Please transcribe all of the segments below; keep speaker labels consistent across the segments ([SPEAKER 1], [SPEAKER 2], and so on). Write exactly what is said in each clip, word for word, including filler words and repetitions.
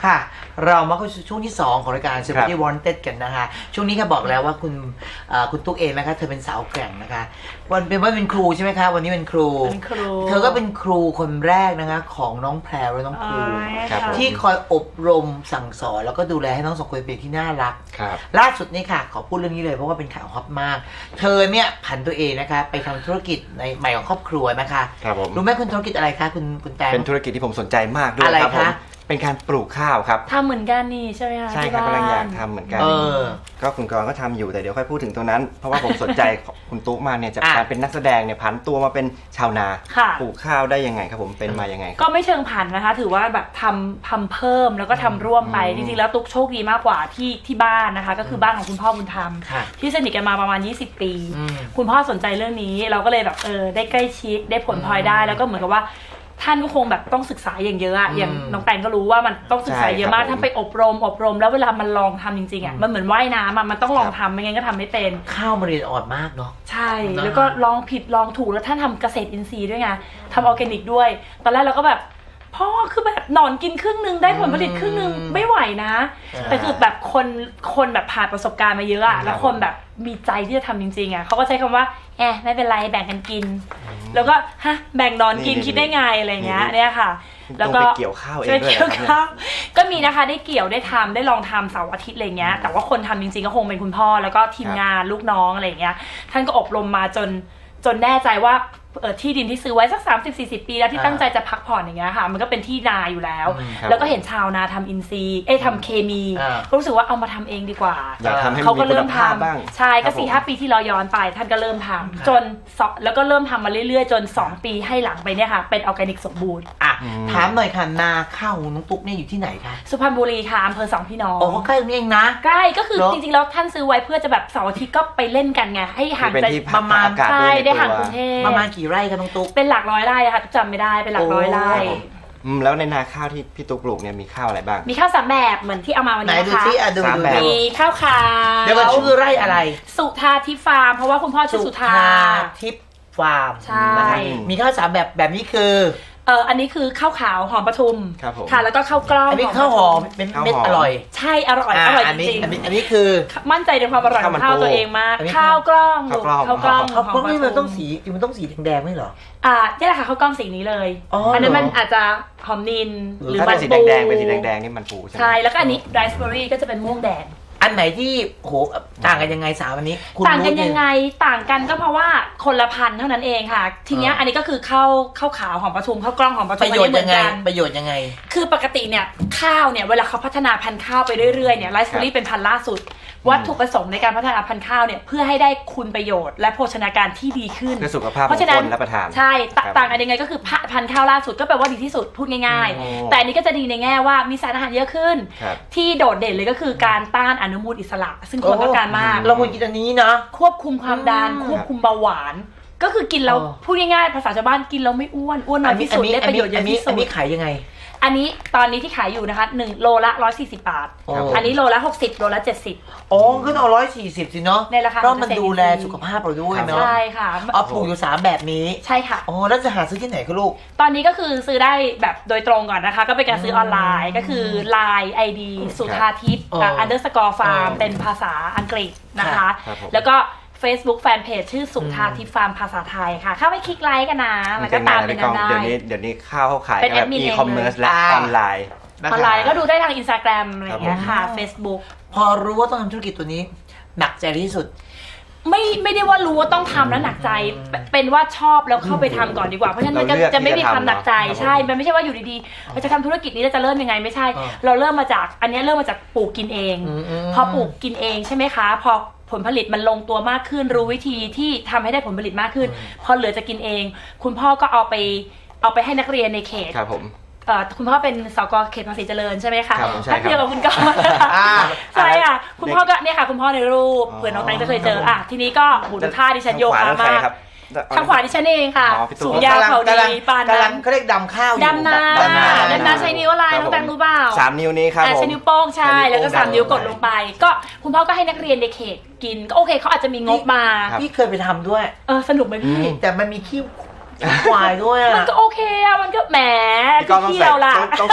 [SPEAKER 1] ค่ะเรามาเข้าสู่ช่วงที่สองของรายการ Celebrity Wanted กันนะคะช่วงนี้ค่ะบอกแล้วว่าคุณคุณตุ๊กเองนะคะเธอเป็นสาวแกร่งนะคะวันเป็นว่าเป็นครูใช่ไหมคะวันนี้เป็นครู
[SPEAKER 2] เป็นครู
[SPEAKER 1] เธอก็เป็นครูคนแรกนะคะของน้องแพรวและน้องครูที่คอยอบรมสั่งสอนแล้วก็ดูแลให้น้องสองคนเป็นที่น่ารักล่าสุดนี่ค่ะขอพูดเรื่องนี้เลยเพราะว่าเป็นข่าวฮอตมากเธอเนี่ยผันตัวเองนะคะไปทำธุรกิจในใหม่ของครอบครัวนะคะรู้ไหมคุณธุรกิจอะไรคะคุณคุณแตง
[SPEAKER 3] เป็นธุรกิจที่ผมสนใจมากด้วยครับผมเป็นการปลูกข้าวครับ
[SPEAKER 2] ทำเหมือนกันนี่ใช่ไหมคะ
[SPEAKER 3] ใช่ครับกำลังอยากทำเหมือนกันก็คุณกรก็ทำอยู่แต่เดี๋ยวค่อยพูดถึงตรงนั้นเพราะว่าผมสนใจคุณตุ๊กมาเนี่ยจากการเป็นนักแสดงเนี่ยผันตัวมาเป็นชาวนาปลูกข้าวได้ยังไงครับผมเป็นมายังไง
[SPEAKER 2] ก็ไม่เชิงผันนะคะถือว่าแบบทำทำเพิ่มแล้วก็ทำร่วมไปจริงๆแล้วตุ๊กโชคดีมากกว่าที่ที่บ้านนะคะก็คือบ้านของคุณพ่อบุญธรรมที่สนิทกันมาประมาณยี่สิบปีคุณพ่อสนใจเรื่องนี้เราก็เลยแบบเออได้ใกล้ชิดได้ผลพลอยได้แล้วก็เหมือนกับว่าท่านก็คงแบบต้องศึกษาอย่างเยอะอะอย่างน้องแตงก็รู้ว่ามันต้องศึกษาเยอะมากท่านไปอบรมอบรมแล้วเวลามันลองทำจริงๆอะมันเหมือนว่ายน้ำอะมันต้องลองทำไม่งั้นก็ทำไม่เป็น
[SPEAKER 1] ข้าวมันเรียนอ่อนมากเนาะ
[SPEAKER 2] ใช่แล้วก็ลองผิดลองถูกแล้วท่านทำเกษตรอินทรีย์ด้วยไงทำออร์แกนิกด้วยตอนแรกเราก็แบบพ่อคือแบบหนอนกินครึ่งนึงได้ผลผลิตครึ่งนึงไม่ไหวนะแต่คือแบบคนคนแบบผ่านประสบการณ์มาเยอะอะแล้วคนแบบมีใจที่จะทำจริงๆอะเขาก็ใช้คำว่าแอบไม่เป็นไรแบ่งกันกินแล้วก็ฮะแบ่งนอนกินคิดได้ไงอะไรเงี้ยเนี่ยค่ะ
[SPEAKER 3] แล้วก็เกี่ยวข้าวเองด้วย
[SPEAKER 2] ครับก็มีนะคะได้เกี่ยวได้ทำได้ลองทำเสาร์อาทิตย์อะไรเงี้ยแต่ว่าคนทำจริงๆก็คงเป็นคุณพ่อแล้วก็ทีมงานลูกน้องอะไรเงี้ยท่านก็อบรมมาจนจนแน่ใจว่าเออที่ดินที่ซื้อไว้สัก สามสิบสี่สิบ ปีแล้วที่ตั้งใจจะพักผ่อนอย่างเงี้ยค่ะมันก็เป็นที่นาอยู่แล้วแล้วก็เห็นชาวนาทำอินทรีย์เอ้ทำเคมีก็รู้สึกว่าเอามาทำเองดีกว่าเขาก็เริ่มทำใช่ก็สี่ห้าปีที่เราย้อนไปท่านก็เริ่มทำจนแล้วก็เริ่มทำมาเรื่อยๆจนสองปีให้หลังไปเนี่ยค่ะเป็นออร์แกนิกสมบูรณ์
[SPEAKER 1] อ่ะถามหน่อยค่ะนาข้าวของน้องตุ๊กเนี่ยอยู่ที่ไหนคะ
[SPEAKER 2] สุพรรณบุรีค่ะอำเภอสองพี่น้อง
[SPEAKER 1] โอ้ใกล้ตรงนี้เองนะ
[SPEAKER 2] ใกล้ก็คือจริงๆแล้วท่านซื้อไว้เพื่อจะแบบเสาร์อาทิตย์ก็ไปเล่นกันไงให้ห่างจาก
[SPEAKER 3] ประมาณ
[SPEAKER 2] ใช่ได้ห่างกรุงเทพ
[SPEAKER 1] ประมาณกี่ไร่คะน้องตุ๊ก
[SPEAKER 2] เป็นหลักร้อยไร่ค่ะจำไม่ได้เป็นหลักร้อยไร่
[SPEAKER 3] แล้วในนาข้าวที่พี่ตุ๊กปลูกเนี่ยมีข้าวอะไรบ้าง
[SPEAKER 2] มีข้าวสามแบบเหมือนที่เอามาวันนี้นะคะมีข้าวขาว
[SPEAKER 1] เดี๋ยวมันชื่อไร่อะไร
[SPEAKER 2] สุธาทิพย์ฟาร์มเพราะว่าคุณพ่อชื่อสุธา
[SPEAKER 1] ทิพย์ฟาร์ม
[SPEAKER 2] ใช่
[SPEAKER 1] มีข้าวสามแบบแบบนี้คือ
[SPEAKER 2] เอออันนี้คือข้าวขาวหอมปทุมค่ะแล้วก็ข้าวกล้อง
[SPEAKER 1] อันนี้ข้าวหอมเป็นเม็ดอร่อย
[SPEAKER 2] ใช่อร่อยอร่อยจริง
[SPEAKER 1] อันนี้คือ
[SPEAKER 2] มั่นใจในความอร่อยของข้าวตัวเองมากข้าวกล้องข้าวกล้อง
[SPEAKER 1] ข้าวกล้องนี่มันต้องสีมันต้องสีแดงๆไม่หรอ
[SPEAKER 2] อ่านี่แหละค่ะข้าวกล้องสีนี้เลยอันนั้นมันอาจจะหอมนิน
[SPEAKER 3] หรือมันสีแดงๆเป็นสีแดงๆนี่มันปูใช่ไหม
[SPEAKER 2] ใช่แล้วก็อันนี้ไรซ์เบอร์รี่ก็จะเป็นม่วงแดง
[SPEAKER 1] อันไหนที่โหต่างกันยังไงสาววันนี้
[SPEAKER 2] ต่างกันยังไงต่างกันก็เพราะว่าคนละพันเท่านั้นเองค่ะทีเนี้ยอันนี้ก็คือข้าวข้าวขาวหอมปทุมข้าวกล้องหอมปทุม
[SPEAKER 1] ประโยชน์ยังไงประโยชน์ยังไง
[SPEAKER 2] คือปกติเนี่ยข้าวเนี่ยเวลาเขาพัฒนาพันธุ์ข้าวไปเรื่อยๆเนี่ยไรซ์เบอร์รี่เป็นพันธุ์ล่าสุดวัตถุประสงค์ในการพัฒนาพันธุ์ข้าวเนี่ยเพื่อให้ได้คุณประโยชน์และโภชนาการที่ดีขึ้น
[SPEAKER 3] เพื่อสุขภาพของคนรับประทาน
[SPEAKER 2] ใช่ต่างกันยังไงก็คือพันธุ์ข้าวล่าสุดก็แปลว่าดีที่สุดพูดง่ายๆแต่อันนี้ก็จะดีในแง่ว่ามีสารอาหารเยอะขึ้นที่โดดเด่นเลยก็คือการต้านอนุมูลอิสระซึ่งคนต้องการมาก
[SPEAKER 1] เราควรกินอันนี้นะ
[SPEAKER 2] ควบคุมความดันควบคุมเบาหวานก็คือกินแล้วพูดง่ายๆภาษาชาวบ้านกินแล้วไม่อ้วนอ้วนน้อยที่สุดได้ประโยชน์เยอะที่สุด
[SPEAKER 1] อันนี้ขายยังไง
[SPEAKER 2] อันนี้ตอนนี้ที่ขายอยู่นะคะหนึ่งโลละหนึ่งร้อยสี่สิบบาทอันนี้โลละหกสิบโลละเจ็ดสิบ
[SPEAKER 1] อ๋อขึ้นเอาหนึ่งร้อยสี่สิบสิเนาะ
[SPEAKER 2] ในราคา
[SPEAKER 1] เพราะมันดูแลสุขภาพเราด้วยเนาะ
[SPEAKER 2] ใช่ค่ะ
[SPEAKER 1] เอาปลูกอยู่สามแบบนี้
[SPEAKER 2] ใช่ค่ะ
[SPEAKER 1] อ๋อแล้วจะหาซื้อที่ไหนคะลูก
[SPEAKER 2] ตอนนี้ก็คือซื้อได้แบบโดยตรงก่อนนะคะก็เป็นการซื้อออนไลน์ก็คือ ไลน์ ไอ ดี สุธาทิพย์ อันเดอร์สกอร์ฟาร์มเป็นภาษาอังกฤษนะคะแล้วก็Facebook Fanpage ชื่อสุธาทิพย์ฟาร์มภาษาไทยค่ะเข้าไปคลิกไลค์กันนะแล้วก็ตามไปกันได้
[SPEAKER 3] เดี๋ยวนี้เดี๋ยวนี้ข้าวเขาขายแบบอีคอมเมิร์ซและออนไลน์
[SPEAKER 2] ออนไลน์ก็ดูได้ทาง Instagram อะไรอย่างเงี้ยค่ะ Facebook
[SPEAKER 1] พอรู้ว่าต้องทำธุรกิจตัวนี้หนักใจที่สุด
[SPEAKER 2] ไม่ไม่ได้ว่ารู้ว่าต้องทำแล้วหนักใจเป็นว่าชอบแล้วเข้าไปทำก่อนดีกว่าเพราะฉะนั้นมันก็จะไม่มีความหนักใจใช่มันไม่ใช่ว่าอยู่ดีๆเราจะทำธุรกิจนี้เราจะเริ่มยังไงไม่ใช่เราเริ่มมาจากอันนี้เริ่มมาจากปลูกกินเองพอปลูกกินเองใช่ไหมคะพอผลผลิตมันลงตัวมากขึ้นรู้วิธีที่ทำให้ได้ผลผลิตมากขึ้นพอเหลือจะกินเองคุณพ่อก็เอาไปเอาไปให้นักเรียนในเขต
[SPEAKER 3] ครับผม
[SPEAKER 2] คุณพ่อเป็นสกเขตภาษีเจริญใช่ไหมคะ
[SPEAKER 3] ท่าน
[SPEAKER 2] เดียวกับคุณก้องใช่ค่ะคุณพ่อก็เนี่ยค่ะคุณพ่อในรูปเผื่อน้องแตงจะเคยเจออ่ะทีนี้ก็บุญท่าดิฉันโยคะมากทางขวาดิฉันเองค่ะสูงยาวเขาดีปานนั้น
[SPEAKER 1] เขาเรียกดำข้าว
[SPEAKER 2] ดำนาดำนาใช้นิ้วอะไรน้องแตงรู้เปล่า
[SPEAKER 3] สามนิ้วนี้ครับ
[SPEAKER 2] ใช้นิ้วโป้งใช่แล้วก็สามนิ้วกดลงไปก็คุณพ่อก็ให้นักเรียนในเขตกินก็โอเคเขาอาจจะมีงบมา
[SPEAKER 1] พี่เคยไปทำด้วย
[SPEAKER 2] เออสนุกไหมพี่
[SPEAKER 1] แต่มันมีขี้ควายด้วย
[SPEAKER 2] มันก็โอเคอะมันก็แหม
[SPEAKER 3] พี่ก็ต้องใส่ต้องใส่ชุด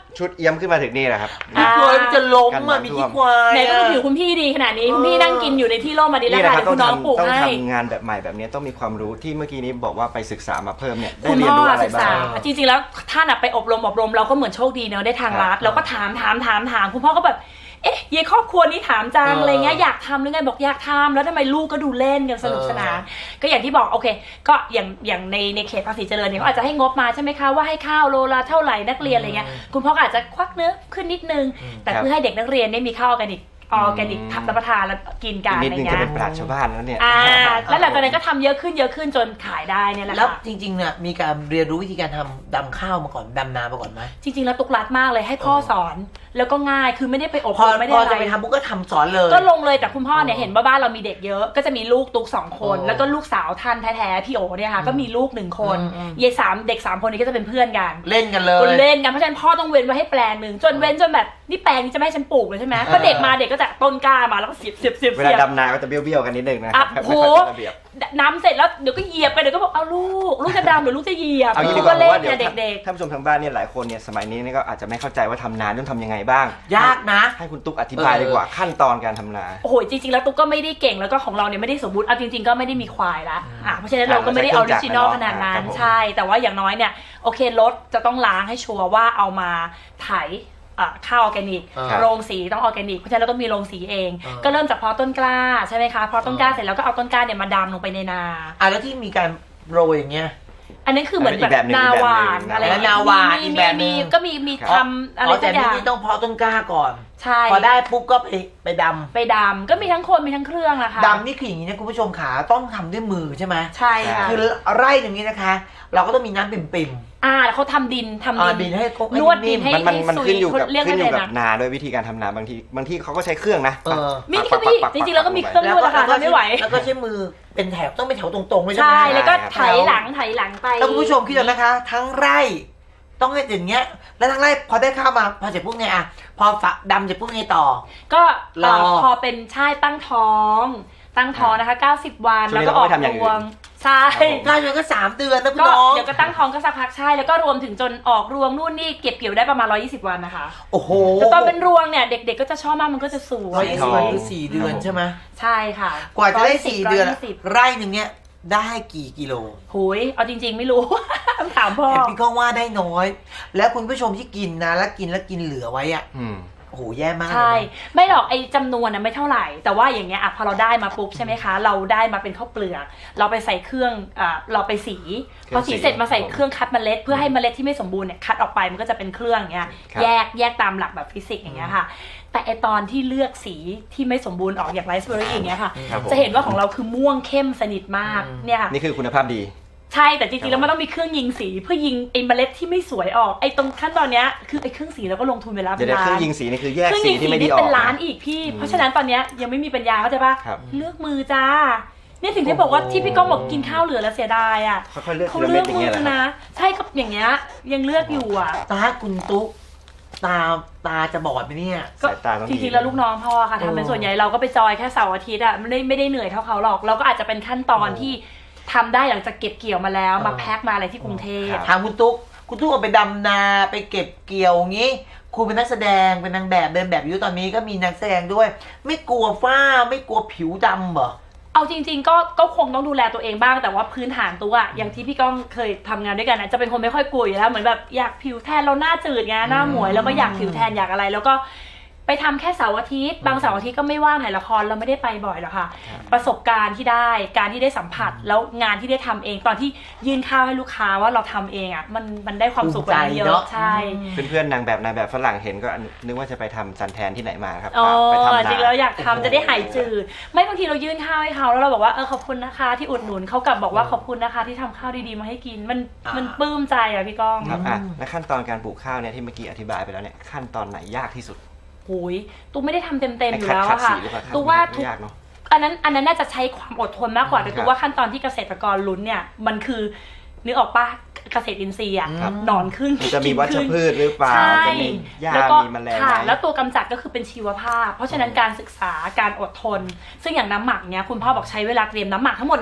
[SPEAKER 3] ชุดเอี้ยมขึ้นมาถึงนี่แหละครับ
[SPEAKER 1] พี่กลัวมันจะล้มอ่ะมีขี้ควาย
[SPEAKER 2] ไหนก็ถือคุณพี่ดีขนาดนี้คุณพี่นั่งกินอยู่ในที่ร่มมาดีแล้วค่ะ
[SPEAKER 3] ต้
[SPEAKER 2] คุ
[SPEAKER 3] อง
[SPEAKER 2] ณน้องปลูก
[SPEAKER 3] ทำต้อง
[SPEAKER 2] ให้
[SPEAKER 3] ทำงานแบบใหม่แบบนี้ต้องมีความรู้ที่เมื่อกี้นี้บอกว่าไปศึกษามาเพิ่มเนี่ยได้
[SPEAKER 2] คุณ
[SPEAKER 3] เรียน
[SPEAKER 2] พ่อ
[SPEAKER 3] รู้อะไร
[SPEAKER 2] ศึก
[SPEAKER 3] บ้า
[SPEAKER 2] ษาง จริงๆแล้วท่านไปอบรมอบรมเราก็เหมือนโชคดีเนอะได้ทางรัฐเราก็ถามถามถามถามคุณพ่อก็แบบเอ๊ะยายครอบครัวนี้ถามจังอะไรเงี้ยอยากทำหรือไงบอกอยากทำแล้วทำไมลูกก็ดูเล่นกันสนุกสนานก็อย่างที่บอกโอเคก็อย่างอย่างในในเขตภาษีเจริญเนี่ยเขาอาจจะให้งบมาใช่ไหมคะว่าให้ข้าวโลละเท่าไหร่นักเรียนอะไรเงี้ยคุณพ่อก็อาจจะควักเนื้อขึ้นนิดนึงแต่เพื่อให้เด็กนักเรียนได้มีข้าวออร์แกนิกออร์แกนิกรับประทานแล้วกินกัน
[SPEAKER 3] นิ
[SPEAKER 2] อะ
[SPEAKER 3] ด
[SPEAKER 2] ไร
[SPEAKER 3] นึง
[SPEAKER 2] เงี้
[SPEAKER 3] จะ
[SPEAKER 2] ย
[SPEAKER 3] เป็นปราชญ์ชาวบ้านแล้วเนี่ย
[SPEAKER 2] อ่าแล้วหลังจากนั้นก็ทำเยอะขึ้นเยอะขึ้นจนขายได้เนี่ยแหละ
[SPEAKER 1] แล้ว
[SPEAKER 2] ค่ะ
[SPEAKER 1] จริงๆเนี่ยมีการเรียนรู้วิธีการทำดำข้าวมาก่อนดำนามาก่อนไหม
[SPEAKER 2] จริงๆแล้วตุกรัดมากเลยให้พ่อสอนแล้วก็ง่ายคือไม่ได้ไปอบ
[SPEAKER 1] พอ
[SPEAKER 2] รมไม่ได้
[SPEAKER 1] พอ
[SPEAKER 2] อะไร
[SPEAKER 1] จะไปทำปุ๊บก็ทำสอนเลย
[SPEAKER 2] ก็ลงเลยแต่คุณพ่อเนี่ยเห็นว่าบ้านเรามีเด็กเยอะก็จะมีลูกตุกสองคน
[SPEAKER 1] อ๋อ
[SPEAKER 2] แล้วก็ลูกสาวท่านแท้ๆพี่โอเนี่ยค่ะก็มีลูกหนึ่งคน
[SPEAKER 1] อืมอืม
[SPEAKER 2] ยายสามเด็กสามคนนี้ก็จะเป็นเพื่อนกัน
[SPEAKER 1] เล่นกันเลย
[SPEAKER 2] คนเล่นกันเพราะฉะนั้นพ่อต้องเว้นไว้ให้แปลงหนึ่งจนเว้นจนแบบนี่แปลงนี้จะไม่ให้ฉันปลูกเลยใช่ไหมก็เด็กมาเด็กก็จะต้นกล้ามาแล้วก็เสียบเสียบเสียบ
[SPEAKER 3] เวลา
[SPEAKER 2] เสียบ
[SPEAKER 3] ดำนาก็จะเบี้ยวๆกันนิดนึงนะค
[SPEAKER 2] อ่ะ
[SPEAKER 3] รับ
[SPEAKER 2] โห
[SPEAKER 3] ไม่ค่อยเป็นระเบียบ
[SPEAKER 2] น้ำเสร็จแล้วเดี๋ยวก็เหยียบไปเดี๋ยวก็บอกเอาลูกลูกจะดำหรือลูกจะเหยียบ
[SPEAKER 3] เอางี้ดี
[SPEAKER 2] ลู
[SPEAKER 3] ก
[SPEAKER 2] ก
[SPEAKER 3] ว่า
[SPEAKER 2] ก็
[SPEAKER 3] ผม
[SPEAKER 2] เล่น
[SPEAKER 3] ว่าเดี๋ย
[SPEAKER 2] เนี่
[SPEAKER 3] วย
[SPEAKER 2] เด็ก
[SPEAKER 3] ท่านผู้ชมทางบ้านเนี่ยหลายคนเนี่ยสมัยนี้นี่ก็อาจจะไม่เข้าใจว่าทำนาต้องทำยังไงบ้าง
[SPEAKER 1] ยากนะ
[SPEAKER 3] ให้คุณตุ๊กอธิบายดีกว่าขั้นตอนการทำนา
[SPEAKER 2] โอ้โหจริงๆแล้วตุ๊กก็ไม่ได้เก่งแล้วก็ของเราเนี่ยไม่ได้สมบูรณ์เอาจริงๆก็ไม่ได้มีควายละอ่ะเพราะฉะนั้นเราก็ไม่ได้ออริจินอลขนาดนั้นใช่แต่ว่าอย่างน้อยเนี่ยโอเครถจะต้องล้างให้ชัวร์ว่าเอามาไถข้าวออร์แกนิก
[SPEAKER 1] ครับ
[SPEAKER 2] โรงสีต้องออร์แกนิกเพราะฉะนั้นเราก็มีโรงสีเอง
[SPEAKER 1] อ่า
[SPEAKER 2] ก็เริ่มจากเพาะต้นกล้าใช่ไหมคะเพาะต้นกล้าเสร็จแล้วก็เอาต้นกล้าเนี่ยมาดำลงไปในนา
[SPEAKER 1] อ่ะแล้วที่มีการโรยอย่างเงี้ย
[SPEAKER 2] อันนั้นคือเหมือน
[SPEAKER 3] อีก
[SPEAKER 2] แบ
[SPEAKER 3] แบบ
[SPEAKER 2] บ
[SPEAKER 3] หนึ่ง
[SPEAKER 2] นา
[SPEAKER 3] อีกแบบหนึ่ง
[SPEAKER 2] หวานอะไร
[SPEAKER 1] แล้วนาหวาน
[SPEAKER 2] มี
[SPEAKER 1] อีก
[SPEAKER 2] มี
[SPEAKER 1] แบบหนึ่
[SPEAKER 2] มี
[SPEAKER 1] ง
[SPEAKER 2] ก็มีมี
[SPEAKER 1] ครับ
[SPEAKER 2] ทำอะไร
[SPEAKER 1] อ๋อ
[SPEAKER 2] สั
[SPEAKER 1] แต่
[SPEAKER 2] กอย่าง
[SPEAKER 1] นี่ต้องเพาะต้นกล้าก่อน
[SPEAKER 2] ใช่
[SPEAKER 1] พอได้ปุ๊บก็ไปไปดำ
[SPEAKER 2] ไปดำก็มีทั้งคนมีทั้งเครื่องนะคะ
[SPEAKER 1] ดำนี่คืออย่างนี้นะคุณผู้ชมขาต้องทำด้วยมือใช่ไหม
[SPEAKER 2] ใช่ค่ะ
[SPEAKER 1] คือไร่อย่างนี้นะคะ เราก็ต้องมีน้ำปิ่ม
[SPEAKER 2] อ่าแล้วเขาทำดินทำ
[SPEAKER 1] ๆอ่า
[SPEAKER 2] ดิ
[SPEAKER 1] ดิ
[SPEAKER 2] น
[SPEAKER 1] นให้ครบ
[SPEAKER 2] นวดดินให้
[SPEAKER 3] มันมันมัน
[SPEAKER 2] ซุย
[SPEAKER 3] ขึ้นอยู่กับ
[SPEAKER 2] เรียก
[SPEAKER 3] ขึ้นอยู่
[SPEAKER 2] ว่า
[SPEAKER 3] กับ
[SPEAKER 2] อะไรนะ
[SPEAKER 3] นาด้วยวิธีการทำนาบางทีบางที่เขาก็ใช้เครื่องนะ
[SPEAKER 1] เออ
[SPEAKER 2] มีนี่ก็มีจริงๆแล้วก็มีเครื่องนวดนะคะทำไม่ไหว
[SPEAKER 1] แล้วก็ใช้มือเป็นแถวต้องเป็นแถวตรงๆด้วยใช่
[SPEAKER 2] ใช่
[SPEAKER 1] ไหม
[SPEAKER 2] แล้วก็
[SPEAKER 3] ใช่
[SPEAKER 2] ไถหลังไถหลังไป
[SPEAKER 1] แล้วคุณผู้ชมคิดดูนะคะ ทั้งไร่ต้องให้อย่างเงี้ย แล้วทั้งไร่พอได้ข้าวมาพอเสร็จปุ๊บไงอ่ะพอฝักดำเสร็จปุ๊บไงต่อ
[SPEAKER 2] ก็
[SPEAKER 1] รอ
[SPEAKER 2] เอ่อพอเป็นชายตั้งท้อง ตั้งท้องนะคะเก้าสิบวัน
[SPEAKER 3] ช่วงนี้
[SPEAKER 2] แล้วก็ออก
[SPEAKER 3] เราก็ไม่ทำอย่างอื่
[SPEAKER 2] ร
[SPEAKER 3] น
[SPEAKER 2] วงใช่
[SPEAKER 3] ครับผม
[SPEAKER 1] ได้เงินก็สามเดือนนะคุณ
[SPEAKER 2] ก็
[SPEAKER 1] น้อง
[SPEAKER 2] เดี๋ยวก็ตั้งท้องก็สักพักใช่แล้วก็รวมถึงจนออกรวงนู่นนี่เก็บเกี่ยวได้ประมาณหนึ่งร้อยยี่สิบวันนะคะ
[SPEAKER 1] โอ้โห
[SPEAKER 2] แต่ตอนเป็นรวงเนี่ยเด็กๆก็จะชอบมากมันก็จะสว
[SPEAKER 1] ร้อย
[SPEAKER 2] ย
[SPEAKER 1] ยี่สิบวันคือสี่เดือนใช่ไหม
[SPEAKER 2] ใช่ค่ะ
[SPEAKER 1] กว่าจะได้สี่เดือน
[SPEAKER 2] ร้ยยี่สิบ
[SPEAKER 1] ไร่หนึ่งเนี้ยได้กี่กิโล
[SPEAKER 2] หุยเอาจริง ๆ ไม่รู้ ต้องถามพ่อ
[SPEAKER 1] เห็นพี่ก้องว่าได้น้อย แล้วคุณผู้ชมที่กินนะแล้วกินแล้วกินเหลือไว้อ่ะ
[SPEAKER 3] อืม
[SPEAKER 1] โอ้โหแย่มากเลย
[SPEAKER 2] ใช่
[SPEAKER 1] นะ
[SPEAKER 2] ไม่หรอกไอ้จำนวนนะไม่เท่าไหร่ แต่ว่าอย่างเงี้ยอ่ะพอเราได้มาปุ๊บใช่ไหมคะ เราได้มาเป็นข้าวเปลือก เราไปใส่เครื่องอ่าเราไปสีพอสีเสร็จมาใส่เครื่องคัดเมล็ด เพื่อให้เมล็ดที่ไม่สมบูรณ์เนี่ยคัดออกไปมันก็จะเป็นเครื่องอย่างเงี้ย
[SPEAKER 3] ครับ
[SPEAKER 2] แยกแยกตามหลักแบบฟิสิกส์อย่างเงี้ยค่ะ แต่ไอตอนที่เลือกสีที่ไม่สมบูรณ์ออกอย่างไรซ์เบอร์รี่อย่างเงี้ยค่ะ
[SPEAKER 3] ครับผม
[SPEAKER 2] จะเห็นว่าของเราคือม่วงเข้มสนิทมากเนี่ยค่ะ
[SPEAKER 3] นี่คือคุณภาพดี
[SPEAKER 2] ใช่แต่จริงๆแล้วมันต้องมีเครื่องยิงสีเพื่อยิงไอ้เมล็ดที่ไม่สวยออกไอ้ตรงขั้นตอนเนี้ยคือไอ้เครื่องสีเราก็ลงทุนไปแล้ว
[SPEAKER 3] เดี๋
[SPEAKER 2] เป็
[SPEAKER 3] ยวน เดี๋ยวเครื่
[SPEAKER 2] ล้า
[SPEAKER 3] อน งยิงสีนี่คือแยก
[SPEAKER 2] เครื่อง
[SPEAKER 3] สี
[SPEAKER 2] ยิงสี
[SPEAKER 3] ที่ไม่ดี
[SPEAKER 2] นี่
[SPEAKER 3] ออ
[SPEAKER 2] เป็น
[SPEAKER 3] ก
[SPEAKER 2] ล้าน
[SPEAKER 3] นะ
[SPEAKER 2] อีกพี่
[SPEAKER 3] อืม
[SPEAKER 2] เพราะฉะนั้นตอนเนี้ยยังไม่มีปัญญาเข้าใจปะ
[SPEAKER 3] ครับ
[SPEAKER 2] เลือกมือจ้าเนี่ยถึงได้บอกว่าที่พี่ก้องบอกกินข้าวเหลือแล้วเสียดายอ่ะ
[SPEAKER 3] ค่อยๆเลือก
[SPEAKER 2] เขา
[SPEAKER 3] ทีละ
[SPEAKER 2] เลื
[SPEAKER 3] เม็
[SPEAKER 2] อ
[SPEAKER 3] ด
[SPEAKER 2] ก
[SPEAKER 3] อย่าง
[SPEAKER 2] มื
[SPEAKER 3] เงี้ย
[SPEAKER 2] อ
[SPEAKER 3] แหละค
[SPEAKER 2] นะ
[SPEAKER 3] รับ
[SPEAKER 2] ใช่ก็อย่างเงี้ยยังเลือกอยู่อ่ะ
[SPEAKER 1] ตาคุณตุ๊กตาตาจะบอดไหมเนี่ย
[SPEAKER 2] ก็
[SPEAKER 3] สายตาต้อง
[SPEAKER 2] จ
[SPEAKER 3] ดี
[SPEAKER 2] ริงๆแล้วลูกน้องพ่อค่ะทำเป็นส่วนใหญ่เราก็ไปจอยแค่เสาร์อาทิตย์อ่ะไม่ได้ไม่ได้เหนื่อยเท่าเขาหรอก เราก็อาจจะเป็นขั้นตอน
[SPEAKER 1] โอ้
[SPEAKER 2] ที่ทำได้หลังจากเก็บเกี่ยวมาแล้วมา
[SPEAKER 1] เออ
[SPEAKER 2] แพ็คมาอะไรที่กรุงเทพ
[SPEAKER 1] ถามคุณตุ๊กคุณตุ๊กเอาไปดำนาไปเก็บเกี่ยวงี้คุณเป็นนักแสดงเป็นนางแบบเดินแบบอยู่ตอนนี้ก็มีนักแสดงด้วย ไม่กลัวฝ้าไม่กลัวผิวดำเหรอ
[SPEAKER 2] เอาจริงๆก็ก็คงต้องดูแลตัวเองบ้างแต่ว่าพื้นฐานตัวอะอย่างที่พี่ก้องเคยทำงานด้วยกันนะจะเป็นคนไม่ค่อยกลัวอยู่แล้วเหมือนแบบอยากผิวแทนเราหน้าจืดไงหน้าหมวยแล้วก็อยากผิวแทนอยากอะไร แล้วก็ไปทำแค่เสาร์อาทิตย์บางเสาร์อาทิตย์ก็ไม่ว่างถ่ายละครเราไม่ได้ไปบ่อยหรอกค่ะ ประสบการณ์ที่ได้การที่ได้สัมผัสแล้วงานที่ได้ทำเองตอนที่ยื่นข้าวให้ลูกค้าว่าเราทำเองอ่ะมันมันได้ความสุขกว่านั้นเย
[SPEAKER 1] ภูมิใจเน
[SPEAKER 2] อะ
[SPEAKER 1] อะ
[SPEAKER 2] ใช่
[SPEAKER 3] เพื่อนๆนางแบบนายแบบฝรั่งเห็นก็นึกว่าจะไปทำซันแทนที่ไหนมาครับ
[SPEAKER 2] อ๋อ
[SPEAKER 3] ไปทำนา
[SPEAKER 2] จริงแล้วอยากทำจะได้หายจืดไม่บางทีเรายื่นข้าวให้เขาแล้วเราบอกว่าเออขอบคุณนะคะที่อุดหนุนเขากลับบอกว่าขอบคุณนะคะที่ทำข้าวดีๆมาให้กินมันมันปลื้มใจอ่ะพี่ก้อง
[SPEAKER 3] ครับอ่ะและขั้นตอนการปลูกข้าวเนี่ยที่เมื่อกี้อธิบายไปแล้วเนี่ยขั้นตอนไหนยากที่สุด
[SPEAKER 2] โอ้ยตูไม่ได้ทำเต็มๆอยู่
[SPEAKER 3] ไขัด
[SPEAKER 2] แล้ว
[SPEAKER 3] ขัด
[SPEAKER 2] อะค่ะ
[SPEAKER 3] สีหรือเปล่าครับ
[SPEAKER 2] ตูว่า
[SPEAKER 3] ไม่
[SPEAKER 2] ทุก
[SPEAKER 3] ยากเนาะ
[SPEAKER 2] อันนั้นอันนั้นน่าจะใช้ความอดทนมากกว่าแต่
[SPEAKER 3] ค
[SPEAKER 2] ตู
[SPEAKER 3] รับ
[SPEAKER 2] ว่าขั้นตอนที่เกษตรกรลุ้นเนี่ยมันคือนึกออกปะเกษตรอินทรีย์อะ
[SPEAKER 1] ครับ
[SPEAKER 2] หนอนขึ้น
[SPEAKER 3] มันจะมีวัชพืชหรือเปล่า
[SPEAKER 2] ใช่
[SPEAKER 3] จะมีหญ้า
[SPEAKER 2] แล้วก็
[SPEAKER 3] มีแมลง
[SPEAKER 2] ค่ะ
[SPEAKER 3] ไหม
[SPEAKER 2] แล้วตัวกำจัดก็คือเป็นชีวภาพ เพราะฉะนั้นการศึกษาการอดทน ซึ่งอย่างน้ำหมักเนี้ยคุณพ่อบอกใช้เวลาเตรียมน้ำหมักทั้งหมดเนี้ย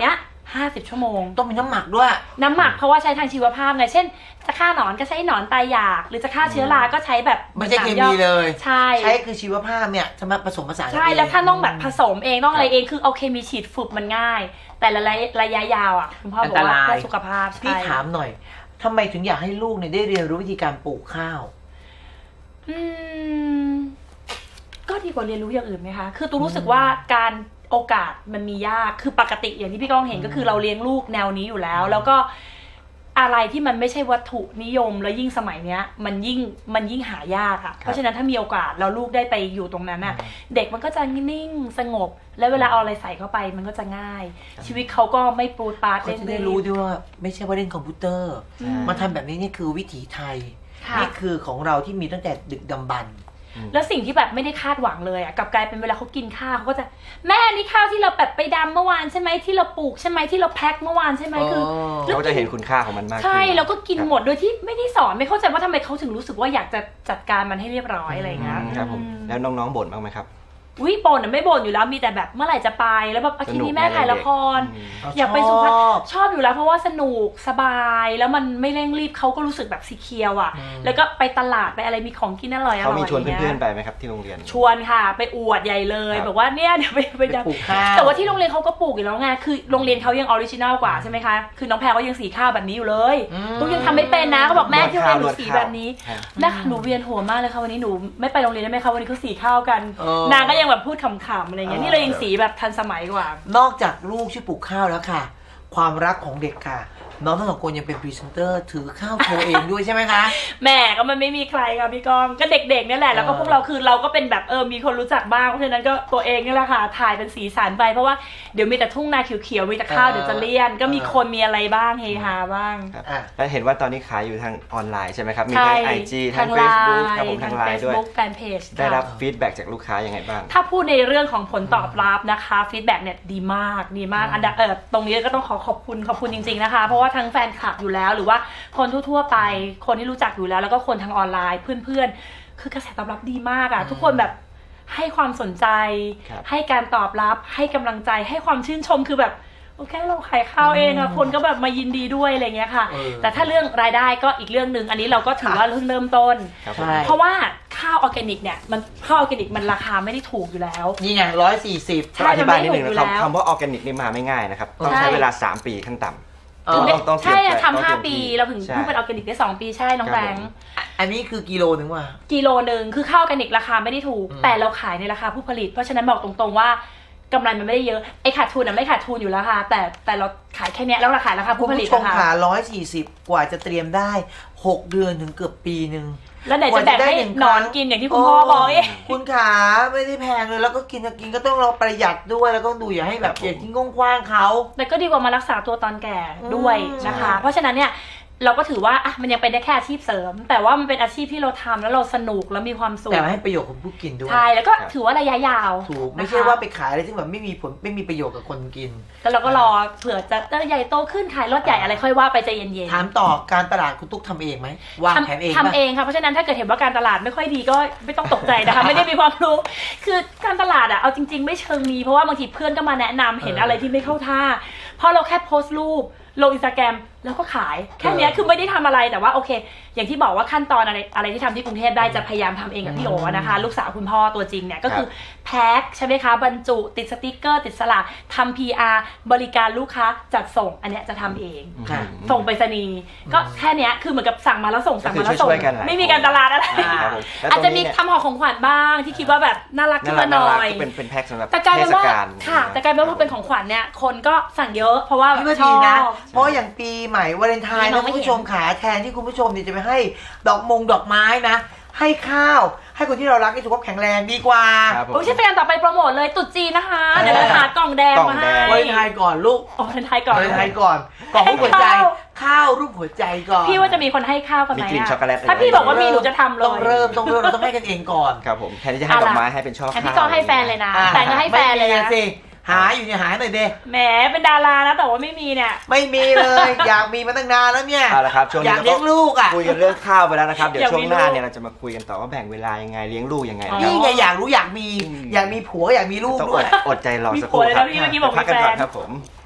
[SPEAKER 2] ห้าสิบชั่วโมง
[SPEAKER 1] ต้องมีน้ำหมักด้วย
[SPEAKER 2] น้ำหมักเพราะว่าใช้ทางชีวภาพไงเช่นจะฆ่าหนอนก็ใช้หนอนตายอยากหรือจะฆ่าเชื้อราก็ใช้แบบ
[SPEAKER 1] ไม่ใช่เคมีเลย
[SPEAKER 2] ใช่
[SPEAKER 1] ใช้คือชีวภาพเนี่ยจะมาผสมผสาน
[SPEAKER 2] ใช่แล้วถ้าต้องแบบผสมเองต้องอะไรเองคือเอาเคมีฉีดฝึกมันง่ายแต่ระยะระยะยาวอ่ะคุณพ่อบอกว่าเพื่อสุขภาพ
[SPEAKER 1] พี่ถามหน่อยทำไมถึงอยากให้ลูกเนี่ยได้เรียนรู้วิธีการปลูกข้าว
[SPEAKER 2] อืมก็ดีกว่าเรียนรู้อย่างอื่นไหมคะคือตูรู้สึกว่าการโอกาสมันมียากคือปกติอย่างที่พี่ก้องเห็นก็คือเราเลี้ยงลูกแนวนี้อยู่แล้วแล้วก็อะไรที่มันไม่ใช่วัตถุนิยมแล้วยิ่งสมัยเนี้ยมันยิ่งมันยิ่งหายากค่ะเพราะฉะนั้นถ้ามีโอกาสแล้วลูกได้ไปอยู่ตรงนั้นน่ะเด็กมันก็จะนิ่งสงบแล้วเวลาเอาอะไรใส่เข้าไปมันก็จะง่ายชีวิตเขาก็ไม่ปรูดปราด
[SPEAKER 1] เล่นได้รู้ด้วยว่าไม่ใช่ว่าเล่นคอมพิวเตอร์มาทำแบบนี้นี่คือวิถีไทยนี่คือของเราที่มีตั้งแต่ดึกดำบรรพ์
[SPEAKER 2] แล้วสิ่งที่แบบไม่ได้คาดหวังเลยอ่ะกลับกลายเป็นเวลาเขากินข้าวเขาก็จะแม่นี่ข้าวที่เราแบบไปดำเมื่อวานใช่ไหมที่เราปลูกใช่ไหมที่เราแพ็คเมื่อวานใช่ไหมคือ
[SPEAKER 3] เขาจะเห็นคุณค่าของมันมาก
[SPEAKER 2] ใช่แล้วก็กินหมดโดยที่ไม่ได้สอนไม่เข้าใจว่าทำไมเขาถึงรู้สึกว่าอยากจะจัดการมันให้เรียบร้อยอะไรเงี้ย
[SPEAKER 3] ครับผมแล้วน้องๆบ่นบ้างไหมครับ
[SPEAKER 2] วิบ่นไม่บ่นอยู่แล้วมีแต่แบบเมื่อไหร่จะไปแล้วแบบอาทิตย์นี้แม่ถ่ายละครอยากไปสุพรรณชอบอยู่แล้วเพราะว่าสนุกสบายแล้วมันไม่เร่งรีบเขาก็รู้สึกแบบสีเคียวอ่ะแล้วก็ไปตลาดไปอะไรมีของกินอร่อยอร่อย
[SPEAKER 3] เขามีชวนเพื่อนๆไปไหมครับที่โรงเรียน
[SPEAKER 2] ชวนค่ะไปอวดใหญ่เลยบอกว่าเนี่ยเดี๋ยวไปไปปลูกข้าวแต่ว่าที่โรงเรียนเขาก็ปลูกอยู่แล้วไงคือโรงเรียนเขายังออริจินัลกว่าใช่ไหมคะคือน้องแพรก็ยังสีข้าวแบบนี้อยู่เลยลูกยังทำไม่เป็นนะเขาบอกแม่ที่โรงเรียนหนูสีแบบนี้แม่หนูเวียนหัวมากเลยค่ะวันนี้หนูไม่ไปโรงเรียนได้ไหมคะวันนี้เขาสีข้าวกันนางก็ยังแบบพูดขำอะไรเงี้ยนี่เรายังสีแบบทันสมัยกว่าน
[SPEAKER 1] อกจากลูกช่วยปลูกข้าวแล้วค่ะความรักของเด็กค่ะน้องทั้งสองคนยังเป็นพรีเซนเตอร์ถือข้าวโชว์เองด้วยใช่ไหมคะ
[SPEAKER 2] แม่ก็มันไม่มีใครค่ะพี่กองก็เด็กๆนี่แหละแล้วก็พวกเราคือเราก็เป็นแบบเออมีคนรู้จักบ้างเพราะฉะนั้นก็ตัวเองนี่แหละค่ะถ่ายเป็นสีสันไปเพราะว่าเดี๋ยวมีแต่ทุ่งนาเขียวๆมีแต่ข้าวเดี๋ยวจะเลี่ยนก็มีคนมีอะไรบ้างเฮฮาบ้าง
[SPEAKER 3] แล้วเห็นว่าตอนนี้ขายอยู่ทางออนไลน์ใช่ไหมครับมีทั้ง ไอ จี ทาง Facebook ครับผมทางไลน์ด้วย
[SPEAKER 2] แฟนเพจ
[SPEAKER 3] ได้รับฟีดแบ็กจากลูกค้ายังไงบ้าง
[SPEAKER 2] ถ้าพูดในเรื่องของผลตอบรับนะคะฟีดแบ็กเนี่ยดีมากดีมากอันดับเออตรงนี้ก็ต้องขอขอบคุณขอบคุณจริงๆนะคะเพราะว่าทั้งแฟนคลับอยู่แล้วหรือว่าคนทั่วๆไปคนที่รู้จักอยู่แล้วแล้วก็คนทางออนไลน์เพื่อนๆคือกระแสตอบรับดีมากอ่ะทุกคนแบบให้ความสนใจให้การตอบรับให้กำลังใจให้ความชื่นชมคือแบบโอเคเราขายข้าวเองอะคนก็แบบมายินดีด้วยอะไรเงี้ยค่ะแต่ถ้าเรื่องรายได้ก็อีกเรื่องหนึ่งอันนี้เราก็ถือว่าเพิ่งเริ่มต้นเพราะว่าข้าวออร์แกนิกเนี่ยมันข้าวออร์แกนิกมันราคาไม่ได้ถูกอยู่แล้ว
[SPEAKER 1] นี่ไงร้อยสี่สิบ
[SPEAKER 3] อธิบายนิดนึงนะครับคำว่าออร์แกนิกนี่มาไม่ง่ายนะครับต้องใช้เวลาสามปีขั้นต่ำ
[SPEAKER 2] ใช่ทำห้าปีเราถึงเพิ่งเป็นออร์แกนิกได้สองปีใช่น้องแบงค์
[SPEAKER 1] อันนี้คือกิโลนึงว่ะ
[SPEAKER 2] กิโลนึงคือข้าวออร์แกนิกราคาไม่ได้ถูกแต่เราขายในราคาผู้ผลิตเพราะฉะนั้นบอกตรงๆว่ากำไรมันไม่ได้เยอะไอ้ขาดทุนอ่ะไม่ขาดทุนอยู่แล้วค่ะแต่แต่เราขายแค่นี้แล้วราคาราคาผู้ผลิต
[SPEAKER 1] นะคะคุณผู้ชมขาร้อยสี่สิบกว่าจะเตรียมได้หกเดือนถึงเกือบปีนึง
[SPEAKER 2] แล้วไหนจะแบ่งให้นอนกินอย่างที่คุณพ่อบอกเอง
[SPEAKER 1] คุณขาไม่ได้แพงเลยแล้วก็กินกินก็ต้องเราประหยัดด้วยแล้วก็ดูอย่าให้แบบอย่าทิ้งกว้างๆเขา
[SPEAKER 2] แต่ก็ดีกว่ามารักษาตัวตอนแก่ด้วยนะคะเพราะฉะนั้นเนี่ยเราก็ถือว่าอ่ะมันยังเป็นได้แค่อาชีพเสริมแต่ว่ามันเป็นอาชีพที่เราทำแล้วเราสนุกแล้วมีความสุข
[SPEAKER 1] แต่ให้ประโยชน์กับผู้กินด้วย
[SPEAKER 2] ใช่แล้วก็ถือว่าระยะยาว
[SPEAKER 1] ถูกไม่ใช่ว่าไปขายอะไรที่แบบไม่มีผลไม่มีประโยชน์กับคนกิน
[SPEAKER 2] แล้วเราก็รอเผื่อจะใหญ่โตขึ้นขายรถใหญ่อะไรค่อยว่าไปใจเย็น
[SPEAKER 1] ๆถามต่อการตลาดคุณตุ๊กทำเองไหมวางแผนเอง
[SPEAKER 2] ทำเองค่ะเพราะฉะนั้นถ้าเกิดเห็นว่าการตลาดไม่ค่อยดีก็ไม่ต้องตกใจนะคะไม่ได้มีความรู้คือการตลาดอ่ะเอาจริงๆไม่เชิงมีเพราะว่าบางทีเพื่อนก็มาแนะนำเห็นอะไรที่ไม่เข้าท่าเพราะเราแค่โพสต์รูปลงอินสตาแกรมแล้วก็ขายแค่นี้คือไม่ได้ทำอะไรแต่ว่าโอเคอย่างที่บอกว่าขั้นตอนอะไรอะไรที่ทำที่กรุงเทพได้จะพยายามทำเองกับพี่โอนะคะลูกสาวคุณพ่อตัวจริงเนี่ยก็คือแพ็คใช่ไหมคะบรรจุติดสติกเกอร์ติดสลักทำ พี อาร์ บริการลูกค้าจัดส่งอันเนี้ยจะทำเองส่งไปรษณีย์ก็แค่นี้คือเหมือนกับสั่งมาแล้วส่งสั่งมาแล้วส่งไม่มีการตลาดอะไรอาจจะมีทำห่อของขวัญบ้างที่คิดว่าแบบน่ารักขึ้นมาหน่อย
[SPEAKER 3] เป็นเป็นแพ็คสำหรับ
[SPEAKER 2] แต่กลายเป็นว่าค่ะแต่กลายเป็นว่าเป็นของขวัญเนี่ยคนก็สั่งเยอะเพราะว่า
[SPEAKER 1] ชอบนะเพราะอย่างปีใหม่วาเลนไทน์นะคุณผู้ชมขาแทนที่คุณผู้ชมเนี่ยจะไปให้ดอกมงดอกไม้นะให้ข้าวให้คนที่เรารักให้สุขภาพแข็งแรงดีกว่า
[SPEAKER 2] โอ้ยใช่เป็นการต่อไปโปรโมทเลยตุ๊จีนนะคะเดี๋ยวเราหากล่องแดงมาให้
[SPEAKER 1] วาเลนไทน์ก่อนลูก
[SPEAKER 2] วาเลนไทน์ก่อน
[SPEAKER 1] วาเลนไทน์ก่อนกล่องรูปหัวใจข้าวรูปหัวใจก่อน
[SPEAKER 2] พี่ว่าจะมีคนให้ข้าวกันไหม
[SPEAKER 3] มีกลิ่นช็อกโกแลต
[SPEAKER 2] ถ้าพี่บอกว่ามีหนูจะทำเลย
[SPEAKER 1] ต้องเริ่มต้องเริ่มเราต้องให้กันเองก่อน
[SPEAKER 3] ครับผมแทนที่จะให้ดอกไม้ให้เป็นช่อข้าว
[SPEAKER 2] แทนที่ก็ให้แฟนเลยนะแฟนก็ให้แฟนเลยนะ
[SPEAKER 1] หาอยู่เนี่ยหาหน่อยเด้
[SPEAKER 2] แหมเป็นดารานะแต่ว่าไม่มีเนี่ย
[SPEAKER 1] ไม่มีเลยอยากมีมาตั้งนานแล้วเนี่ย
[SPEAKER 3] เอาละครับช่วงนี้
[SPEAKER 1] อยากเลี้ยงลูกอ่ะ
[SPEAKER 3] คุยกันเรื่องข้าวไปแล้วนะครับเดี๋ยวช่วงหน้าเนี่ยเราจะมาคุยกันต่อว่าแบ่งเวลายังไงเลี้ยงลูกยังไง
[SPEAKER 1] นี่ไงอยากรู้อยากมีอยากมีผัวอยากมีลูกด้วย
[SPEAKER 3] อดใจรอสักครู่ครับพักกันก่อนครับผม